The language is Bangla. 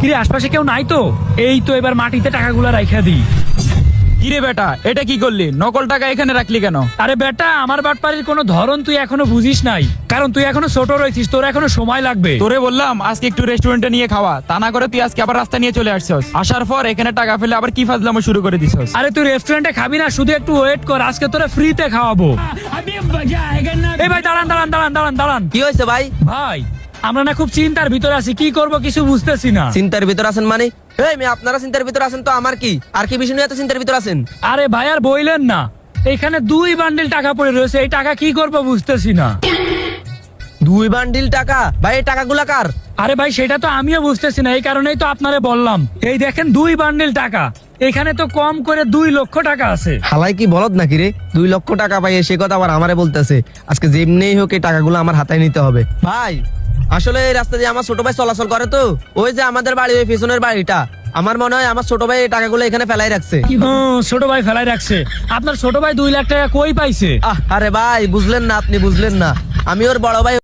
কিরে আশপাশে কেউ নাই তো? এই তো এবার মাটিতে টাকাগুলো রাইখা দিই। কিরে বেটা, এটা কি করলি? নকল টাকা এখানে রাখলি কেন? আরে বেটা, আমার বাটপাড়ির কোনো ধরন তুই এখনো বুঝিস নাই, কারণ তুই এখনো ছোট রয়েছিস, তোর এখনো সময় লাগবে। তোরে বললাম আজকে একটু রেস্টুরেন্টে নিয়ে খাওয়া, তা না করে তুই আজকে আবার রাস্তা নিয়ে চলে আসছস। আসার পর এখানে টাকা ফেলে আবার কি ফাজলামো শুরু করে দিছস। আরে তুই রেস্টুরেন্টে খাবি না, শুধু একটু ওয়েট কর, আজকে তোরা ফ্রিতে খাওয়াবো। এই ভাই দাঁড়ান দাঁড়ান দাঁড়ান দাঁড়ান দাঁড়ান। কি হয়েছে ভাই? ভাই আমরা না খুব চিন্তার ভিতরে আছি, কি করব কিছু বুঝতেছি না। চিন্তার ভিতর আছেন মানে? এই মেয়ে, আপনারা চিন্তার ভিতর আছেন তো আমার কি? আর কি বিষয় নিয়ে এত চিন্তার ভিতর আছেন? আরে ভাই আর বইলেন না, এখানে 2 বান্ডিল টাকা পড়ে রয়েছে, এই টাকা কি করব বুঝতেছি না। 2 বান্ডিল টাকা? ভাই এই টাকাগুলা কার? আরে ভাই সেটা তো আমিও বুঝতেছি না, এই কারণেই তো আপনারে বললাম। এই দেখেন 2 বান্ডিল টাকা, এখানে তো কম করে 2 লক্ষ টাকা আছে। হালাই কি বলদ নাকি রে? 2 লক্ষ টাকা পাই, সে কথা আবার আমারে বলতেছে। আজকে যেমনিই হোক এই টাকাগুলো আমার হাতে নিতে হবে। ভাই আসলে এই রাস্তা দিয়ে আমার ছোট ভাই চলাচল করে তো, ওই যে আমাদের বাড়ি, ওই পেছনের বাড়িটা, আমার মনে হয় আমার ছোট ভাই এই টাকাগুলো এখানে ফেলাই রাখছে। ছোট ভাই ফেলাই রাখছে? আপনার ছোট ভাই 2 লাখ টাকা কই পাইছে? আরে ভাই বুঝলেন না, আপনি বুঝলেন না, আমি ওর বড় ভাই।